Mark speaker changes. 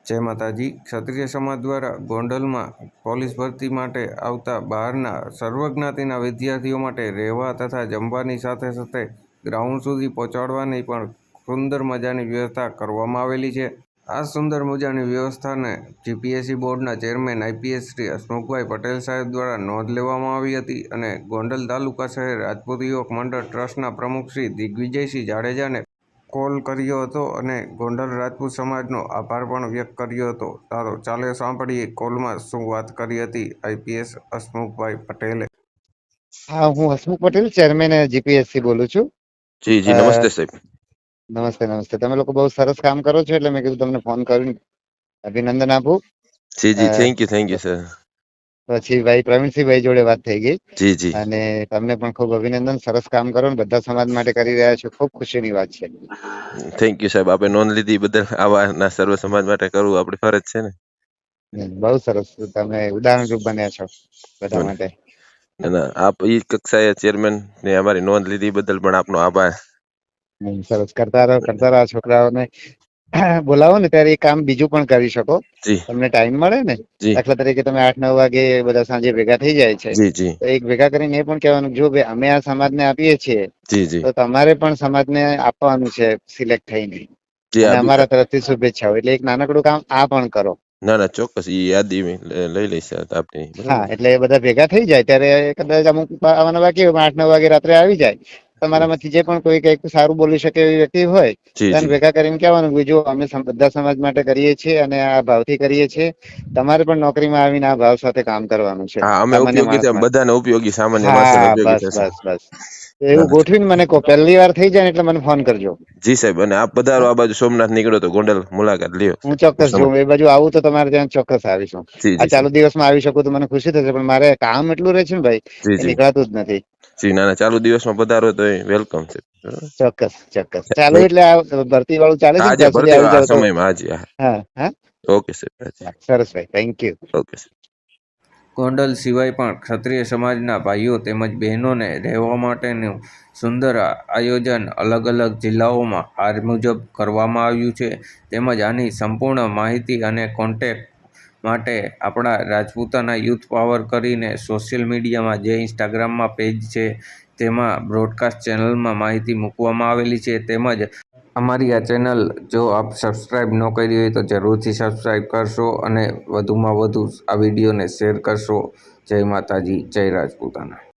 Speaker 1: જય માતાજી. ક્ષત્રિય સમાજ દ્વારા ગોંડલમાં પોલીસ ભરતી માટે આવતા બહારના સર્વજ્ઞાતિના વિદ્યાર્થીઓ માટે રહેવા તથા જમવાની સાથે સાથે ગ્રાઉન્ડ સુધી પહોંચાડવાની પણ સુંદર મજાની વ્યવસ્થા કરવામાં આવેલી છે. આ સુંદર મજાની વ્યવસ્થાને જીપીએસસી બોર્ડના ચેરમેન આઈપીએસ શ્રી હસમુખભાઈ પટેલ સાહેબ દ્વારા નોંધ લેવામાં આવી હતી અને ગોંડલ તાલુકા શહેર રાજપૂત યુવક મંડળ ટ્રસ્ટના પ્રમુખ શ્રી દિગ્વિજયસિંહ જાડેજાને કોલ કર્યો હતો અને ગોંડલ રાજપૂત સમાજનો આભાર પણ વ્યક્ત કર્યો હતો. ચાલો સાંભળીએ કોલમાં શું વાત કરી હતી આઈપીએસ હસમુખભાઈ પટેલે.
Speaker 2: હા, હું હસમુખ પટેલ, ચેરમેન જીપીએસસી બોલું છું.
Speaker 3: જી જી, નમસ્તે સાહેબ.
Speaker 2: નમસ્તે. તમે લોકો બહુ સરસ કામ કરો છો એટલે મેં કીધું તમને ફોન કરીને અભિનંદન આપું.
Speaker 3: જી જી, થેન્ક યુ સર.
Speaker 2: પછી ભાઈ પ્રવીણસિંહભાઈ જોડે વાત થઈ ગઈ
Speaker 3: જી જી,
Speaker 2: અને તમને પણ ખૂબ અભિનંદન. સરસ કામ કરો ને બધા સમાજ માટે કરી રહ્યા છો, ખૂબ ખુશીની વાત છે.
Speaker 3: થેન્ક યુ સાહેબ. આપણે નોંધ લીધી બદલ આવા સર્વ સમાજ માટે કરવું આપણી ફરજ છે ને.
Speaker 2: બહુ સરસ, તમે ઉદાહરણરૂપ બન્યા છો બધા માટે.
Speaker 3: આપ એ કક્ષાએ ચેરમેન ને અમારી નોંધ લીધી બદલ પણ આપનો આભાર.
Speaker 2: સરસ, કરતા રહો. છોકરાઓને બોલાવો ને ત્યારે એ કામ બીજું પણ કરી શકો.
Speaker 3: જી
Speaker 2: તમને ટાઈમ મળે ને,
Speaker 3: જી
Speaker 2: દાખલા તરીકે તમે 8-9 વાગે બધા સાંજે ભેગા થઈ જાય છે,
Speaker 3: જી જી
Speaker 2: તો એક ભેગા કરીને એ પણ કહેવાનું, જો ભાઈ અમે આ સમાજને આપીએ છીએ
Speaker 3: જી જી
Speaker 2: તો તમારે પણ સમાજને આપવાનું છે સિલેક્ટ થઈને,
Speaker 3: જી.
Speaker 2: અને અમારા તરફથી શુભેચ્છાઓ. એટલે એક નાનકડું કામ આ પણ કરો.
Speaker 3: ના ચોક્કસ, એ યાદી લઈ લઈશ આપની.
Speaker 2: હા, એટલે એ બધા ભેગા થઈ જાય ત્યારે કદાચ અમુક આવવાના બાકી હોય, 8-9 વાગે રાત્રે આવી જાય. તમારામાંથી જે પણ કોઈ કઈક સારું બોલી શકે એવી વ્યક્તિ હોય
Speaker 3: જી
Speaker 2: તેને
Speaker 3: જી.
Speaker 2: ભેગા કરીને કહેવાનું, જો અમે બધા સમાજ માટે કરીએ છીએ અને આ ભાવથી કરીએ છીએ, તમારે પણ નોકરીમાં આવીને આ ભાવ સાથે કામ કરવાનું છે,
Speaker 3: હા, અમે
Speaker 2: સામાન્ય
Speaker 3: ઉપયોગી
Speaker 2: માણસ માટે.
Speaker 3: બધાને ઉપયોગી, સામાન્ય માણસોને
Speaker 2: હા,
Speaker 3: ઉપયોગી થશે.
Speaker 2: બસ.
Speaker 3: ના
Speaker 2: એવું
Speaker 3: ના
Speaker 2: ગોઠવીને મને કહો, પહેલી વાર થઈ જાય ને એટલે મને ફોન કરજો.
Speaker 3: જી સાહેબ. અને આપ પધારો આ બાજુ, સોમનાથ નીકળો તો ગોંડલ મુલાકાત લ્યો.
Speaker 2: હું ચોક્કસ જોઉં, એ બાજુ આવું તો તમારે ત્યાં ચોક્કસ આવીશું.
Speaker 3: જી
Speaker 2: આ
Speaker 3: જી
Speaker 2: ચાલુ
Speaker 3: સાહેબ.
Speaker 2: દિવસમાં આવી શકું તો મને ખુશી થશે, પણ મારે કામ એટલું રહે છે ને ભાઈ,
Speaker 3: જી
Speaker 2: એ
Speaker 3: જી
Speaker 2: નીકળાતું જ નથી.
Speaker 3: જી. ના ચાલુ દિવસમાં પધારો તો વેલકમ છે.
Speaker 2: ચોક્કસ. ચાલુ એટલે આ ભરતી વાળું ચાલે છે ને,
Speaker 3: આજે
Speaker 2: ત્યાં સુધી
Speaker 3: ભરતી
Speaker 2: આવી
Speaker 3: આ
Speaker 2: જાવ તો.
Speaker 3: સમયમાં હાજી. હા,
Speaker 2: હા.
Speaker 3: ઓકે સાહેબ.
Speaker 2: સરસ ભાઈ, થેન્ક યુ.
Speaker 3: ઓકે સાહેબ.
Speaker 1: ગોંડલ સિવાય પણ ક્ષત્રિય સમાજના ભાઈઓ તેમજ બહેનોને રહેવા માટેનું સુંદર આયોજન અલગ અલગ જિલ્લાઓમાં આ મુજબ કરવામાં આવ્યું છે. તેમજ આની સંપૂર્ણ માહિતી અને કોન્ટેક્ટ માટે આપણા રાજપૂતાના યુથ પાવર કરીને સોશિયલ મીડિયામાં જે ઇન્સ્ટાગ્રામમાં પેજ છે તેમાં બ્રોડકાસ્ટ ચેનલમાં માહિતી મૂકવામાં આવેલી છે. તેમજ અમારી આ ચેનલ જો આપ સબસ્ક્રાઈબ ન કરી હોય તો જરૂરથી સબસ્ક્રાઈબ કરશો અને વધુમાં વધુ આ વિડીયોને શેર કરશો. જય માતાજી, જય રાજપૂતાના.